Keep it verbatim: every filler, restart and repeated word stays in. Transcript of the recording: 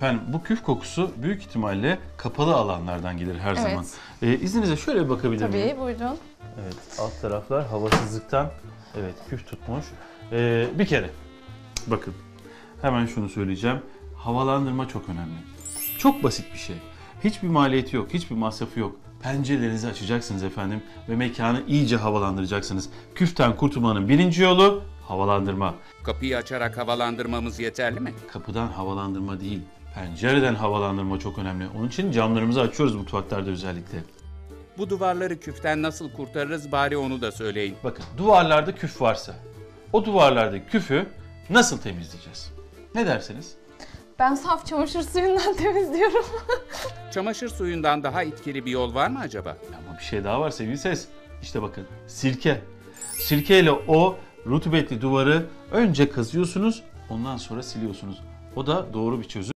Efendim bu küf kokusu büyük ihtimalle kapalı alanlardan gelir her Evet. zaman. Ee, izninizle şöyle bir bakabilir miyim? Tabii, buyurun. Evet, alt taraflar havasızlıktan evet küf tutmuş. Ee, bir kere bakın hemen şunu söyleyeceğim. Havalandırma çok önemli. Çok basit bir şey. Hiçbir maliyeti yok, hiçbir masrafı yok. Pencerelerinizi açacaksınız efendim ve mekanı iyice havalandıracaksınız. Küften kurtulmanın birinci yolu havalandırma. Kapıyı açarak havalandırmamız yeterli mi? Kapıdan havalandırma değil, pencereden havalandırma çok önemli. Onun için camlarımızı açıyoruz mutfaklarda özellikle. Bu duvarları küften nasıl kurtarırız bari onu da söyleyin. Bakın duvarlarda küf varsa o duvarlardaki küfü nasıl temizleyeceğiz? Ne dersiniz? Ben saf çamaşır suyundan temizliyorum. Çamaşır suyundan daha etkili bir yol var mı acaba? Ama bir şey daha var sevgili ses. İşte bakın sirke. Sirkeyle o rutubetli duvarı önce kazıyorsunuz ondan sonra siliyorsunuz. O da doğru bir çözüm.